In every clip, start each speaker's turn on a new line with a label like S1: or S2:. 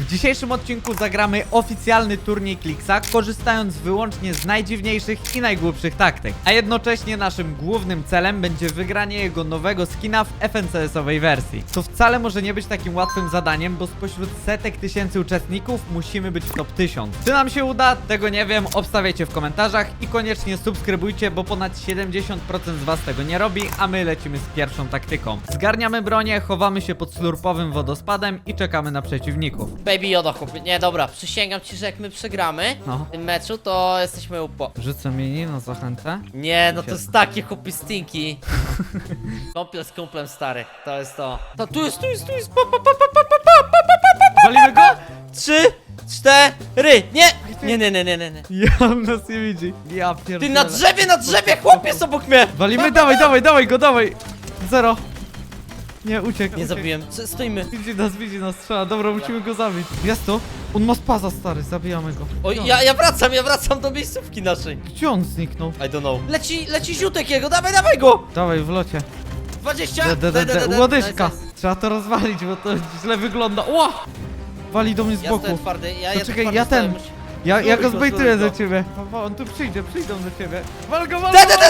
S1: W dzisiejszym odcinku zagramy oficjalny turniej Clixa, korzystając wyłącznie z najdziwniejszych i najgłupszych taktyk. A jednocześnie naszym głównym celem będzie wygranie jego nowego skina w FNCS-owej wersji. To wcale może nie być takim łatwym zadaniem, bo spośród setek tysięcy uczestników musimy być w top 1000. Czy nam się uda? Tego nie wiem, obstawiajcie w komentarzach i koniecznie subskrybujcie, bo ponad 70% z was tego nie robi, a my lecimy z pierwszą taktyką. Zgarniamy bronię, chowamy się pod slurpowym wodospadem i czekamy na przeciwników.
S2: Baby Yoda, chłopie. Nie, dobra, przysięgam ci, że jak my przegramy
S1: No.
S2: w tym meczu, to jesteśmy upo.
S1: Rzucę mini na zachętę.
S2: Nie, no to jest takie chłopie stinki. Kąpiel z kumplem, stary. To jest to. To tu jest.
S1: Walimy go?
S2: 3, 4. Nie! Nie.
S1: Ja nas nie widzi. Ja pierdolę.
S2: Ty na drzewie, chłopie, jest obok mnie!
S1: Walimy, dawaj go, dawaj! Zero. Nie, uciekł.
S2: Nie zabiłem. Stoimy.
S1: Widzi nas, strzela. Dobra, musimy go zabić. Jest tu? On ma spaza, stary, zabijamy go.
S2: Oj, ja wracam do miejscówki naszej.
S1: Gdzie on zniknął?
S2: I don't know. Leci ziutek jego, dawaj go!
S1: Dawaj, w locie.
S2: 20!
S1: Łodyżka.
S2: Nice.
S1: Trzeba to rozwalić, bo to źle wygląda. Ła! Wali do mnie z
S2: Ja
S1: boku.
S2: stoję twardy,
S1: To czekaj,
S2: twardy
S1: ja
S2: stoję,
S1: ten.
S2: musi-
S1: Ja go
S2: Stój,
S1: zbejtuję
S2: stój,
S1: do ciebie. On tu przyjdą do ciebie. Wal go!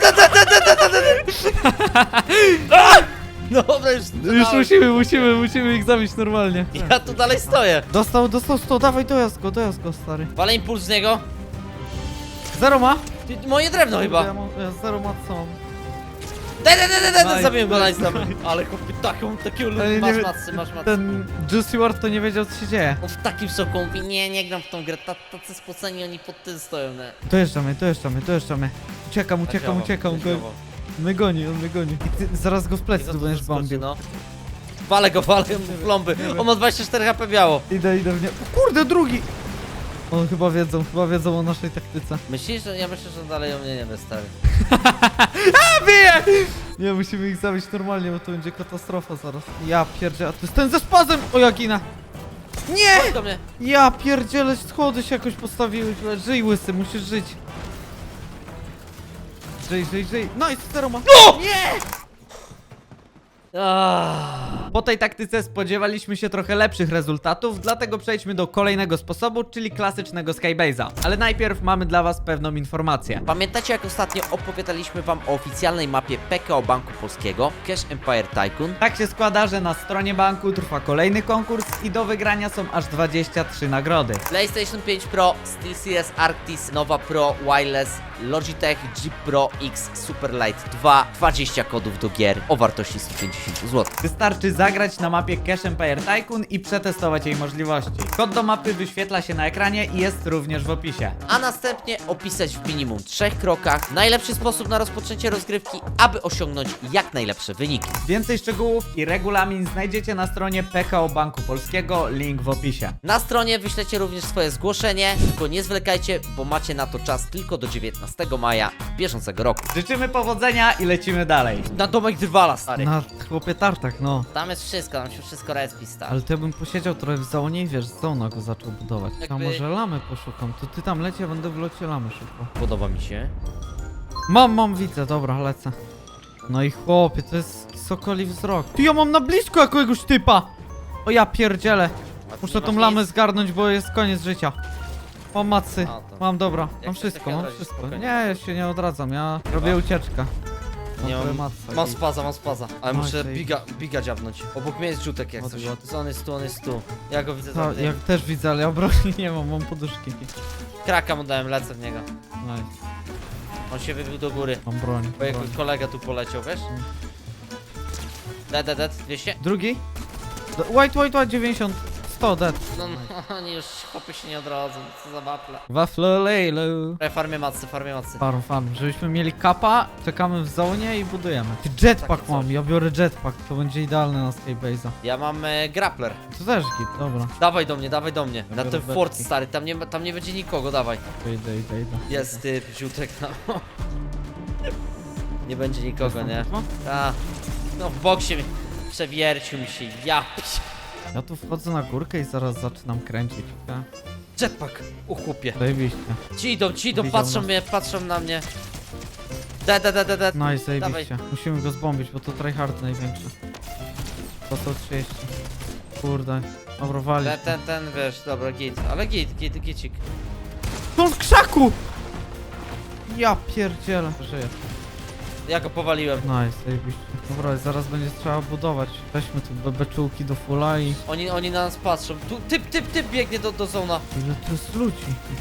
S2: Dobra, już
S1: Musimy ich zabić normalnie.
S2: Ja tu dalej stoję.
S1: Dostał 100, dawaj, dojazd go, stary.
S2: Walę impuls z niego.
S1: Zero ma?
S2: Ty, moje drewno chyba.
S1: Ja zero ma co mam.
S2: Daj,
S1: Nice,
S2: zabiłem go,
S1: nice.
S2: nice, dobra. Ale chłopie, takiego
S1: Ale nie
S2: masz
S1: wie-
S2: matcy, masz matcy.
S1: Ten Juicy Ward to nie wiedział, co się dzieje.
S2: On w takim szoku mówi, nie gram w tą grę, tacy spoceni, oni pod tym stoją, nie?
S1: Dojeżdżamy. Uciekam, go. On mnie goni. I ty zaraz go w plecy tu będziesz bombił.
S2: No. Walę go w plomby. On ma 24 HP biało.
S1: Idę w nie. O kurde, drugi! On chyba wiedzą o naszej taktyce.
S2: Myślisz, że ja myślę, że dalej o mnie nie wie, stary.
S1: Bije! Nie, musimy ich zabić normalnie, bo to będzie katastrofa zaraz. Ja pierdzielę, a to jest ten ze spazem! O, ja ginę! Nie!
S2: Chodź do mnie.
S1: Ja pierdzielę, schody się jakoś postawiły źle. Żyj, łysy, musisz żyć. Żyj. No i zero ma.
S2: No!
S1: Nie! Po tej taktyce spodziewaliśmy się trochę lepszych rezultatów, dlatego przejdźmy do kolejnego sposobu, czyli klasycznego Skybase'a. Ale najpierw mamy dla was pewną informację.
S2: Pamiętacie, jak ostatnio opowiadaliśmy wam o oficjalnej mapie PKO Banku Polskiego, Cash Empire Tycoon?
S1: Tak się składa, że na stronie banku trwa kolejny konkurs i do wygrania są aż 23 nagrody.
S2: PlayStation 5 Pro, SteelSeries Arctis, Nova Pro, Wireless, Logitech G Pro X Superlight 2, 20 kodów do gier o wartości 150 zł.
S1: Wystarczy zagrać na mapie Cash Empire Tycoon i przetestować jej możliwości. Kod do mapy wyświetla się na ekranie i jest również w opisie.
S2: A następnie opisać w minimum 3 krokach najlepszy sposób na rozpoczęcie rozgrywki, aby osiągnąć jak najlepsze wyniki.
S1: Więcej szczegółów i regulamin znajdziecie na stronie PKO Banku Polskiego, link w opisie.
S2: Na stronie wyślecie również swoje zgłoszenie, tylko nie zwlekajcie, bo macie na to czas tylko do 19 maja bieżącego roku.
S1: Życzymy powodzenia i lecimy dalej.
S2: Na domek Drwala, stary.
S1: Na chłopie tartak, no.
S2: Tam jest wszystko, tam się wszystko respi, stary.
S1: Ale to ja bym posiedział trochę w zonie i wiesz, zona go zaczął budować. A
S2: Jakby-
S1: może lamy poszukam, to ty tam leci, ja będę w locie lamy szukał.
S2: Podoba mi się.
S1: Mam, widzę, dobra, lecę. No i chłopie, to jest sokoli wzrok. Ty, ja mam na blisko jakiegoś typa! O ja pierdzielę. Muszę tą lamę zgarnąć, bo jest koniec życia. Mam macy,
S2: A, to-
S1: mam dobra,
S2: Jak
S1: mam
S2: się
S1: wszystko,
S2: tak
S1: mam
S2: odrazić,
S1: wszystko.
S2: spokojnie.
S1: Nie, ja się nie odradzam, ja robię ucieczkę.
S2: Nie
S1: trochę
S2: mam,
S1: matce
S2: mam
S1: i-
S2: spaza, ale
S1: No i
S2: muszę
S1: tej-
S2: biga dziabnąć. Obok mnie jest rzutek jak coś. On jest tu. Ja go widzę
S1: Ta,
S2: tam.
S1: ja też widzę, ale ja broni nie mam poduszki.
S2: Kraka mu dałem, lecę w niego.
S1: Nice,
S2: On się wybił do góry.
S1: mam broń.
S2: Bo jego kolega tu poleciał, wiesz? Dead, 200?
S1: Drugi? White, 90, 100, dead.
S2: No, oni już chłopy się nie odrodzą, co za waple.
S1: Wafle lejlu.
S2: Farmię macy.
S1: Farm, żebyśmy mieli kapa, czekamy w zonie i budujemy. Ty, jetpack
S2: Takie coś.
S1: mam, ja biorę jetpack, to będzie idealne na Skybase'a.
S2: Ja mam grappler.
S1: To też git, dobra.
S2: Dawaj do mnie. Na
S1: biorę
S2: ten
S1: beczki.
S2: fort, stary, tam nie będzie nikogo, dawaj.
S1: To idę.
S2: Jest typ, ziutek tam. Nie będzie nikogo, nie?
S1: No.
S2: Ta. No w boksie mi przewiercił mi się, ja.
S1: Ja tu wchodzę na górkę i zaraz zaczynam kręcić. Okay?
S2: Jetpack, u chłopie.
S1: Zajebiście.
S2: Ci idą,
S1: Widział
S2: patrzą na mnie. Dead.
S1: No i zajebiście.
S2: Dawaj.
S1: Musimy go zbombić, bo to tryhard największy. To 130. Kurde. Dobra, wali.
S2: Ten, wiesz, dobra, git. Ale gicik.
S1: On w krzaku! Ja pierdzielę. Żyję.
S2: Ja go powaliłem.
S1: Nice, zajebiście. Dobra, zaraz będzie trzeba budować. Weźmy tu beczułki do fulla i...
S2: Oni na nas patrzą. Tu typ biegnie do zona.
S1: Ile tu jest ludzi?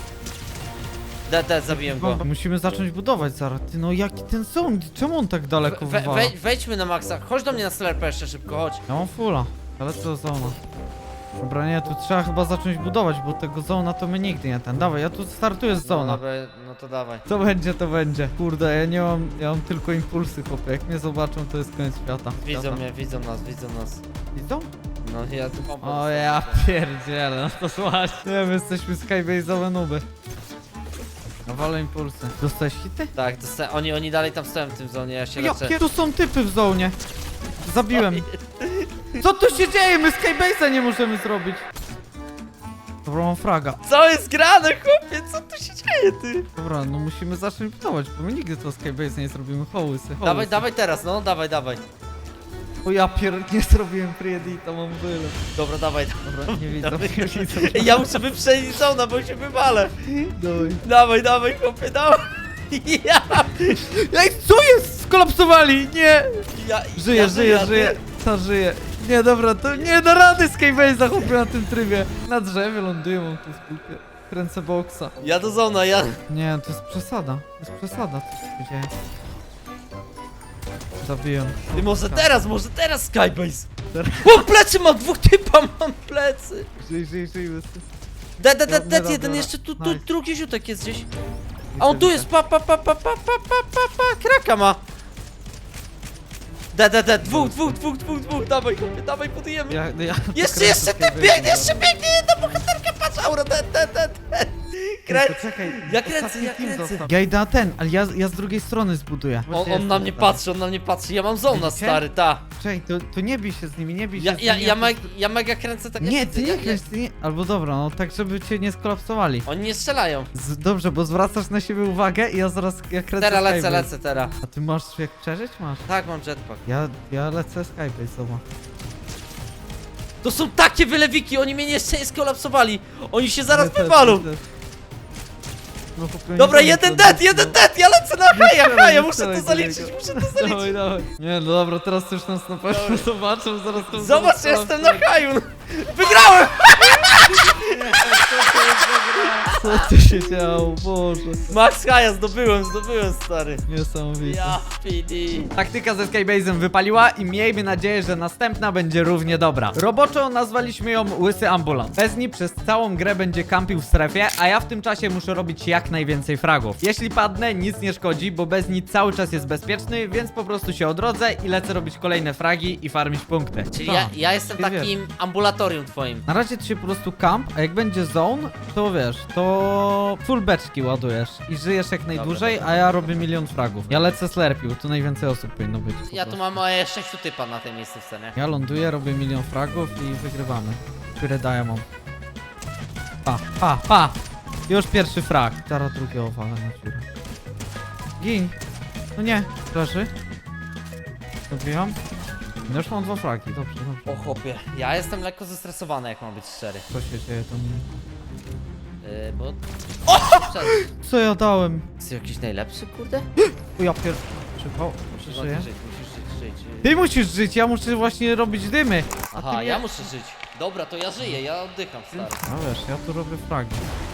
S2: Zabiłem go.
S1: Musimy zacząć budować zaraz. Ty, no jaki ten zone? Czemu on tak daleko wywala?
S2: Wejdźmy na maksa. Chodź do mnie na slerpę jeszcze szybko, chodź.
S1: Ja mam fulla, ale co zona? Dobra, nie, tu trzeba chyba zacząć budować, bo tego zona to my nigdy nie ten. Dawaj, ja tu startuję z zona.
S2: Dobra, no to dawaj.
S1: Co będzie, to będzie. Kurde, ja mam tylko impulsy, chłopie. Jak mnie zobaczą, to jest koniec świata.
S2: Widzą mnie, widzą nas.
S1: Widzą?
S2: No ja tu
S1: O ja pierdzielę, no to słuchaj. Nie, my jesteśmy skybase'owe nuby. Nawalę impulsy. Dostałeś hity?
S2: Tak, oni dalej tam stoją w tym zonie, ja się leczę.
S1: Jakie tu są typy w zonie? Zabiłem. Co tu się dzieje? My skybase'a nie możemy zrobić. Dobra, mam fraga.
S2: Co jest grane, chłopie? Co tu się dzieje, ty?
S1: Dobra, no musimy zacząć budować, bo my nigdy to skybase nie zrobimy. Hołysy.
S2: Dawaj teraz, no, dawaj.
S1: O ja nie zrobiłem pre-edita, mam byle.
S2: Dobra, dawaj.
S1: Dobra, nie widzę, nie widzę.
S2: Ej, ja muszę wyprzedzić zona, bo się wywalę.
S1: Dawaj.
S2: Dawaj, chłopie, dawaj. Ja,
S1: Ej, co jest? Skolapsowali! Nie!
S2: ja
S1: Żyje. Ta żyje. Nie, dobra, to nie da rady skybase'a chłopie na tym trybie. Na drzewie ląduję, mam tu spółkę. Kręcę boksa.
S2: Ja do zona, ja...
S1: Nie, to jest przesada. To jest przesada, co się dzieje. Zabiłem.
S2: Ty może teraz Skybase.
S1: Teraz.
S2: O, plecy mam, dwóch typa mam plecy.
S1: Żyj.
S2: Dead jeden, jeszcze tu
S1: Nice.
S2: drugi ziutek jest gdzieś. A on tu jest, pa, kraka ma. Dead, dwóch, dawaj, chłopie, dawaj, budujemy. Jeszcze biegnie, jedna bohaterka, patrz, aura, dead.
S1: Czekaj,
S2: Ja kręcę.
S1: Ja idę na ten, ale ja z drugiej strony zbuduję.
S2: On na mnie patrzy, ja mam zona,
S1: Widzicie?
S2: stary, ta.
S1: Czekaj, to nie bij się z nimi, nie bij się z nimi.
S2: Ja mega kręcę tak jak
S1: Nie,
S2: ty,
S1: ty nie kręć, ty nie... Albo dobra, no tak, żeby cię nie skolapsowali.
S2: Oni nie strzelają.
S1: Dobrze, bo zwracasz na siebie uwagę i ja kręcę
S2: Teraz
S1: skybase.
S2: lecę teraz.
S1: A ty masz jak przeżyć? Masz.
S2: Tak, mam jetpack.
S1: Ja lecę skybase, zobacz.
S2: To są takie wylewiki, oni mnie jeszcze nie skolapsowali. Oni się zaraz wywalą.
S1: No, chłopie,
S2: Dobra,
S1: nie
S2: jeden
S1: będę
S2: dead, ja lecę na haja,
S1: strzelaj,
S2: muszę
S1: strzelaj
S2: to
S1: do
S2: zaliczyć,
S1: niego. Dawaj. Nie, no dobra, teraz już nas na pewno zobaczą, zaraz to
S2: Zobacz, jestem na haju. Wygrałem!
S1: Co tu się działo, Boże.
S2: Max haja, zdobyłem, stary.
S1: Niesamowite.
S2: Ja, PD.
S1: Taktyka ze Skybase'em wypaliła i miejmy nadzieję, że następna będzie równie dobra. Roboczo nazwaliśmy ją Łysy Ambulans. Bezni przez całą grę będzie kampił w strefie, a ja w tym czasie muszę robić jak najwięcej fragów. Jeśli padnę, nic nie szkodzi, bo Bezni cały czas jest bezpieczny, więc po prostu się odrodzę i lecę robić kolejne fragi i farmić punkty.
S2: Czyli
S1: Co?
S2: ja jestem
S1: Ty wiesz.
S2: takim ambulatorium twoim.
S1: Na razie to się po prostu kamp, a jak będzie zone, to wiesz, to full beczki ładujesz i żyjesz jak najdłużej,
S2: dobra.
S1: a ja robię milion fragów. Ja lecę slerpił, tu najwięcej osób powinno być. po
S2: Ja tu
S1: prostu.
S2: mam 6 typa na tej miejscówce, nie?
S1: Ja ląduję, robię milion fragów i wygrywamy. Które daję mam. Pa! Już pierwszy frag. Zaraz drugie owale na dziurę. Gin! No nie, leży. Dobiłam. No już mam 2 fragi, dobrze.
S2: O chłopie, ja jestem lekko zestresowany, jak mam być szczery.
S1: Co się dzieje tam?
S2: Bo...
S1: Co ja dałem?
S2: Jest jakiś najlepszy, kurde?
S1: O ja Przypał, przeżyję.
S2: Musisz żyć.
S1: Ty musisz żyć, ja muszę właśnie robić dymy.
S2: Aha,
S1: ty nie.
S2: ja muszę żyć. Dobra, to ja żyję, ja oddycham, stary.
S1: No wiesz, ja tu robię fragi.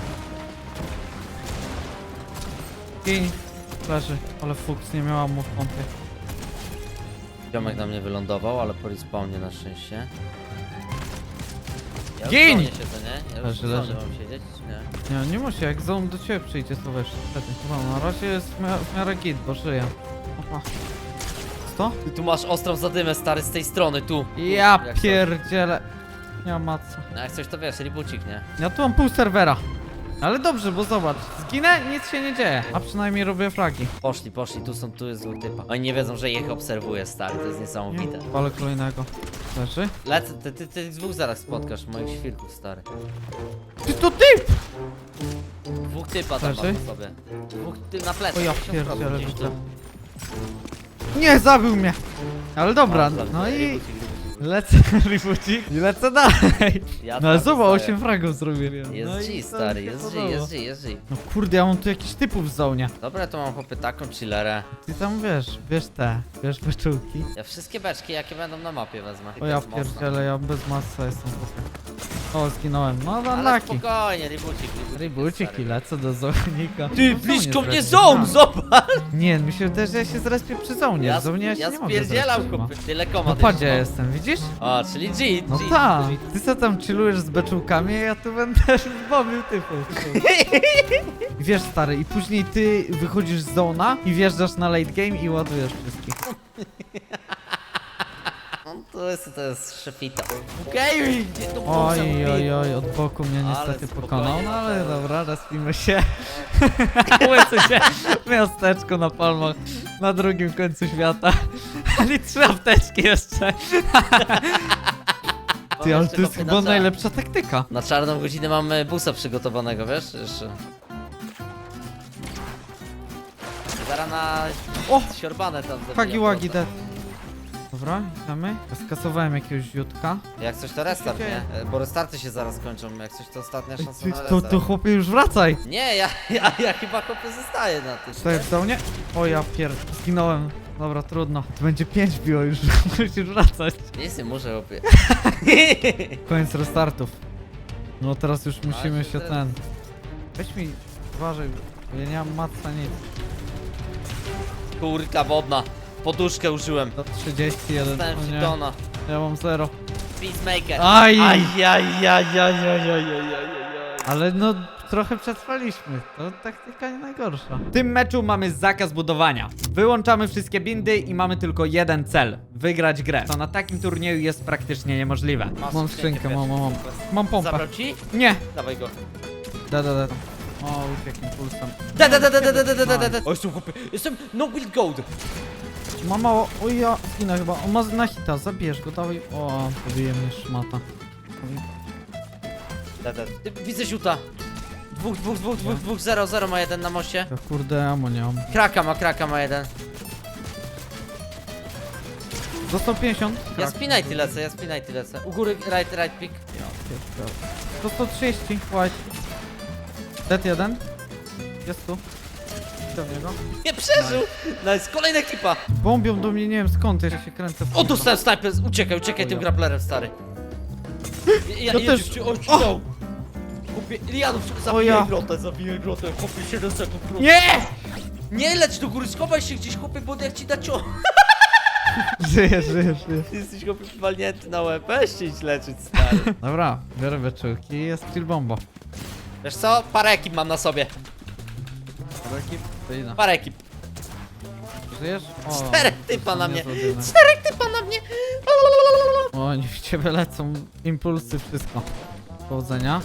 S1: Gin! Leży, ale fuks nie miała mu w pompie.
S2: Ziomek na mnie wylądował, ale po respawnie na szczęście. Ja
S1: Gin!
S2: już w zonie siedzę, nie? Ja już w
S1: Leży.
S2: zonie mam siedzieć, czy nie?
S1: Nie musi, jak zone do ciebie przyjdzie, to wiesz, wtedy. No, na razie jest w miarę git, bo żyję. Opa. 100?
S2: I tu masz ostrą zadymę, stary, z tej strony, tu.
S1: Ja
S2: Jak
S1: pierdzielę. Nie mam matca.
S2: No jak coś to wiesz, ribucik, nie?
S1: Ja tu mam pół serwera. Ale dobrze, bo zobacz, zginę, nic się nie dzieje. A przynajmniej robię fragi.
S2: Poszli, tu jest zły typa. Oni nie wiedzą, że ich obserwuję, stary, to jest niesamowite.
S1: Palę kolejnego. Leży?
S2: Lecę, ty dwóch zaraz spotkasz, moich świrków, stary.
S1: Ty to ty!
S2: Dwóch typa tam
S1: Leży?
S2: masz po sobie. Dwóch na plecach.
S1: O ja
S2: 50
S1: pierdzielę,
S2: gdzieś tu.
S1: widzę. Nie, zabił mnie. Ale dobra,
S2: Dobra,
S1: no i...
S2: ribucik.
S1: Lecę, ribucik, i lecę dalej.
S2: Ja
S1: No ale
S2: tam
S1: zobacz,
S2: dostaję.
S1: 8 fragów zrobiłem.
S2: Jest
S1: No i
S2: G,
S1: to
S2: stary,
S1: mi się
S2: jest G,
S1: podoba.
S2: jest G, jest G.
S1: No kurde, ja mam tu jakiś typów w zonie.
S2: Dobra, to mam chłopy taką chillerę.
S1: Ty tam wiesz beczułki.
S2: Ja wszystkie beczki, jakie będą na mapie wezmę.
S1: O ja
S2: Jest mocno.
S1: pierdzielę, ja bez masa jestem. O, zginąłem. No
S2: Ale
S1: unlucky.
S2: spokojnie, ribucik.
S1: Ribucik i lecę do zonika.
S2: Ty,
S1: No,
S2: blisko
S1: zone
S2: mnie
S1: jest
S2: zone,
S1: respi.
S2: zobacz!
S1: Nie, mi się wydaje, że ja się zrespię przy zonie.
S2: Ja,
S1: W zonie ja się
S2: ja
S1: nie mogę
S2: spierdzielam,
S1: zrespić, no.
S2: chłopy, tyle koma.
S1: No padzie jestem, widzisz?
S2: O, czyli G,
S1: No
S2: G.
S1: tak. Ty co tam chillujesz z beczułkami, a ja tu będę zbobił typów. Wiesz stary, i później ty wychodzisz z zona i wjeżdżasz na late game i ładujesz wszystkich.
S2: No, to jest szefita. Okej, gdzie to było
S1: Oj,
S2: zamówienie?
S1: oj, oj, od boku mnie
S2: Ale
S1: niestety
S2: spokojnie,
S1: pokonał, no ale
S2: Mateusz.
S1: dobra, respimy się. Łycy się w miasteczku na palmach na drugim końcu świata. Ale 3 apteczki jeszcze. Ty, ale to jest chyba najlepsza taktyka.
S2: Na czarną godzinę mamy busa przygotowanego, wiesz? Jeszcze. Zaraz na
S1: O!
S2: siorbane tam zabijam
S1: Hagi wagi
S2: prosto.
S1: dead. Dobra, idziemy. Skasowałem jakiegoś ziutka.
S2: Jak coś to restart,
S1: Co się
S2: nie? Bo restarty się zaraz kończą, jak coś to ostatnia
S1: Ej,
S2: szansa
S1: ty,
S2: na
S1: to
S2: restart.
S1: chłopie już wracaj.
S2: Nie, ja chyba chłopie zostaję na tym.
S1: Stoję w zonie? O ja zginąłem. Dobra, trudno. To będzie 5 biło już, musisz wracać.
S2: Nie muszę chłopie.
S1: Koniec restartów. No teraz już musimy
S2: się
S1: się
S2: teraz-
S1: Weź mi, uważaj, bo ja nie mam matca nic.
S2: Kurka wodna. Poduszkę użyłem.
S1: Do 31,
S2: Dostałem
S1: o nie,
S2: fitona.
S1: ja mam 0.
S2: Peacemaker.
S1: Aj!
S2: Ajajajajajajajajajaj.
S1: Ale no, trochę przetrwaliśmy. To taktyka nie najgorsza. W tym meczu mamy zakaz budowania. Wyłączamy wszystkie bindy i mamy tylko jeden cel. Wygrać grę. To na takim turnieju jest praktycznie niemożliwe. Mam skrzynkę, mam. Mam pompę.
S2: Zabrał ci?
S1: Nie!
S2: Dawaj go.
S1: Da. O, uciekł impulsem.
S2: Da. O, jestem chłopie. Jestem no build gold.
S1: Ma mało. O ja zginę chyba. On ma na hita, zabierz go, dawaj. O, pobije mnie szmata.
S2: Widzę ziuta. Dwóch, 0 ma jeden na moście.
S1: Ja kurde, amo nie mam.
S2: Kraka ma jeden.
S1: Dostał 50.
S2: Ja spinajty lecę. U góry, right pick.
S1: Dostał 30. White. Dead 1. Jest tu. Idę w niego.
S2: Nie przeżył! Nice, kolejna ekipa.
S1: Bombią do mnie, nie wiem skąd, ja się kręcę. w
S2: O, dostałem sniper, uciekaj
S1: O
S2: tym
S1: ja.
S2: grapplerem, stary.
S1: Ja też.
S2: O! Kupię, Lianów,
S1: O ja.
S2: zabiję grotę, chłopie 7 sekund.
S1: Nie!
S2: Nie leć do góry, schowaj się gdzieś, chłopie, bo jak ci da
S1: Żyję.
S2: Ty jesteś chłopie walnięty na łeb, weź się idź leczyć, stary.
S1: Dobra, biorę beczułki i jest chill bomba.
S2: Wiesz co? Parę ekip mam na sobie. Parę ekip.
S1: Żyjesz? O,
S2: 4 typa na mnie.
S1: złodzimy.
S2: 4 typa na mnie.
S1: O, oni w ciebie lecą. Impulsy, wszystko. Powodzenia.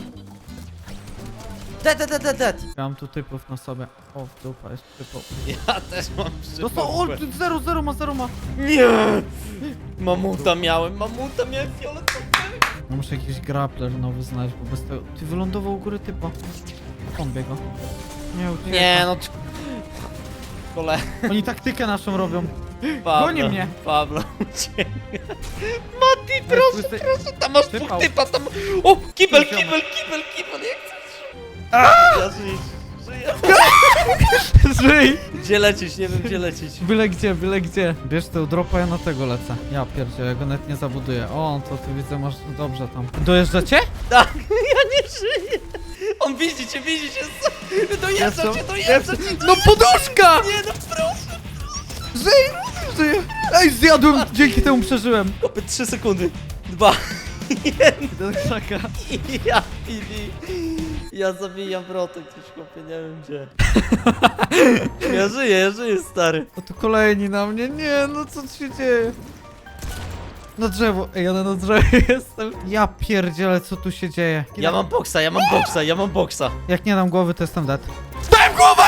S2: Dead.
S1: Ja mam tu typów na sobie. O, w dupa jest typów.
S2: Ja też mam
S1: Dostał, o, 0 ma.
S2: Nie! Mamuta miałem fioletowy.
S1: No muszę jakiś grappler nowy znaleźć, bo bez tego... Ty wylądował u góry typa. Bombie go. Nie, ucieka.
S2: Nie no. Kole.
S1: Oni taktykę naszą robią.
S2: Pablo,
S1: Goni mnie.
S2: Pablo ucieka. Mati, proszę,
S1: Ty-
S2: proszę, tam masz
S1: Typał.
S2: dwóch typa, tam... O, kibel,
S1: Ty, ziomek.
S2: jak chcesz. Ja żyję.
S1: Żyj!
S2: Gdzie lecieć, nie wiem gdzie lecieć.
S1: Byle gdzie. Bierz tę dropa, ja na tego lecę. Ja pierdzie, ja go nawet nie zabuduję. O, to ty widzę, masz dobrze tam. Dojeżdżacie?
S2: Tak, ja nie żyję. On widzi cię, dojeżdża cię.
S1: No poduszka!
S2: Nie no, proszę.
S1: Żyj! Ej, zjadłem! Dzięki temu przeżyłem.
S2: Kopy 3 sekundy. 2.
S1: Do krzaka.
S2: Ja pili. Ja zabijam wrotek gdzieś chłopie, nie wiem gdzie. Ja żyję, stary.
S1: O, tu kolejni na mnie. Nie, no co tu się dzieje? Na drzewo. Ej, ja na drzewie jestem. Ja pierdzielę, co tu się dzieje.
S2: Ja mam boksa.
S1: Jak nie dam głowy, to jestem dead. Dałem głowę!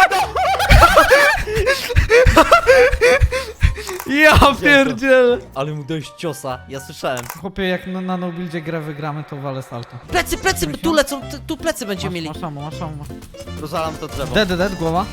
S1: Ja pierdzielę.
S2: Ale mu dałeś ciosa, ja słyszałem.
S1: Chłopie, jak na nobuildzie grę wygramy, to walę salto.
S2: Plecy, tu lecą, tu plecy będziemy mieli.
S1: Masz ammo.
S2: Rozwalam to drzewo.
S1: Dead, głowa.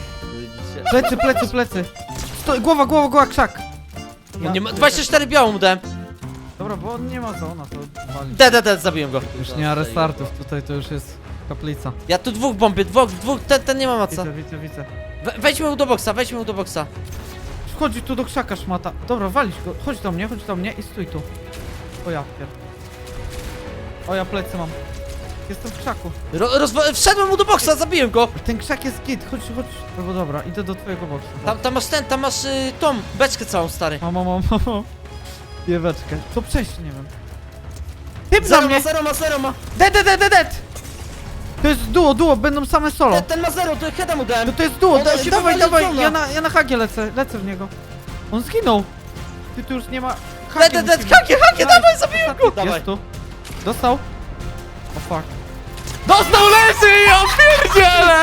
S2: Widzicie?
S1: Plecy. Głowa, krzak.
S2: On nie ma, 24 białą mu dałem.
S1: Dobra, bo on nie ma zona, to wali.
S2: Dead, zabiłem go.
S1: Już nie ma restartów, tutaj to już jest kaplica.
S2: Ja tu dwóch bombię, dwóch, ten nie ma maca.
S1: Widzę.
S2: Wejdźmy mu do boksa,
S1: Wchodzi tu do krzaka szmata. Dobra, walić go. Chodź do mnie i stój tu. O ja pier... O ja plecy mam. Jestem w krzaku.
S2: Wszedłem mu do boksa, zabiłem go.
S1: Ten krzak jest git, chodź. Albo dobra, idę do twojego boksu.
S2: Tam masz tą beczkę całą, stary.
S1: Mam. Jeweczkę. Co przejść, nie wiem. Typ za mnie!
S2: Zero ma.
S1: Dead! To jest duo, będą same solo.
S2: Ten ma zero, to heada mu dałem.
S1: To jest duo, dawaj,
S2: dawaj,
S1: ja na hagie lecę w niego. On zginął. Ty tu już nie ma...
S2: Dead, hakie, dawaj, zabiłem go. Dawaj.
S1: Jest tu. Dostał. O fuck.
S2: Dostał, leży, ja pierdzielę.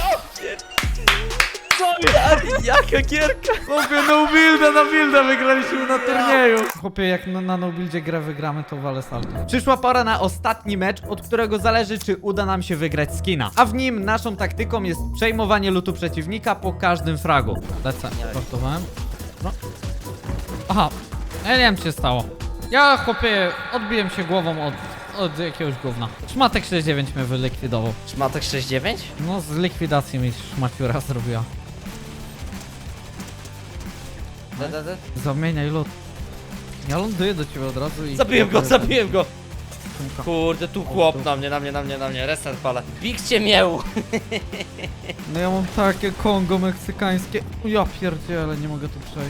S2: Jaka gierka.
S1: Chłopie, na builda wygraliśmy na turnieju. Chłopie, jak na no buildzie grę wygramy, to walę salto. Przyszła pora na ostatni mecz, od którego zależy, czy uda nam się wygrać skina. A w nim naszą taktyką jest przejmowanie lootu przeciwnika po każdym fragu. Lecę, startowałem. No. Aha, ja nie wiem, co się stało. Ja, chłopie, odbiłem się głową od jakiegoś gówna. Szmatek 69 mnie wylikwidował.
S2: Szmatek 69?
S1: No, z likwidacji mi szmaciura zrobiła.
S2: Dead.
S1: Zamieniaj lot. Ja ląduję do ciebie od razu i...
S2: Zabiłem go. Kurde, tu chłop na mnie, restart palę. Bigcie miał.
S1: No ja mam takie Kongo meksykańskie. Ja pierdzielę, nie mogę tu przejść.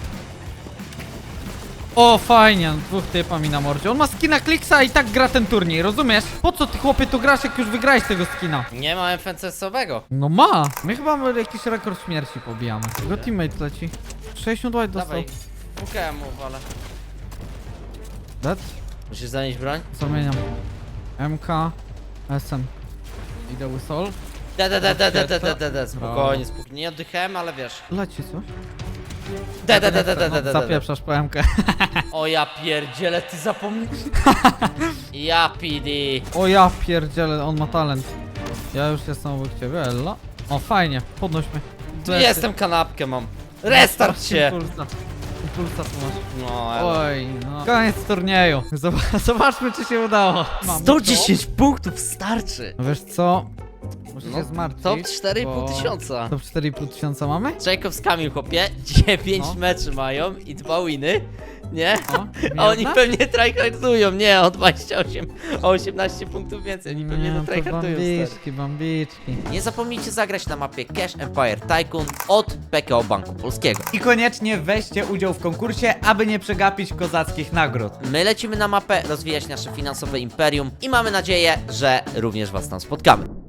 S1: O, fajnie, dwóch typa mi na mordzie. On ma skina Kliksa i tak gra ten turniej, rozumiesz? Po co ty, chłopie, tu grasz, jak już wygrałeś tego skina?
S2: Nie ma FNCS-owego.
S1: No ma! My chyba jakiś rekord śmierci pobijamy. Jego teammate leci. 60 white dostał.
S2: Dawaj. Pukałem mu, ale.
S1: Dead?
S2: Musisz zanieść broń?
S1: Zamieniam. MK, SM. Idę Whistle.
S2: Dead. Spokojnie. Nie oddychałem, ale wiesz.
S1: Leci coś?
S2: Dead.
S1: Zapieprzasz po MK.
S2: O ja pierdzielę, ty zapomniałeś. Ja PD.
S1: O ja pierdzielę, on ma talent. Ja już jestem obok ciebie, Ella. O, fajnie, podnoś mnie.
S2: Jestem, kanapkę mam. Restart się.
S1: Impulsa tu masz.
S2: No,
S1: Oj, no. Koniec turnieju. Zobaczmy, czy się udało. Mamy
S2: 110 punktów starczy.
S1: to. Wiesz co? Muszę się zmartwić.
S2: Top 4,5
S1: bo-
S2: tysiąca.
S1: Top 4,5 tysiąca mamy?
S2: Jacob z Kamil, chłopie, 9
S1: No.
S2: meczy mają i 2 winy, nie?
S1: O,
S2: A oni
S1: jedna?
S2: pewnie tryhardują, nie, o 28, o 18 punktów więcej, oni pewnie
S1: Nie,
S2: no,
S1: to
S2: tryhardują, stary.
S1: bambiczki.
S2: Nie zapomnijcie zagrać na mapie Cash Empire Tycoon od PKO Banku Polskiego.
S1: I koniecznie weźcie udział w konkursie, aby nie przegapić kozackich nagród.
S2: My lecimy na mapę rozwijać nasze finansowe imperium i mamy nadzieję, że również was tam spotkamy.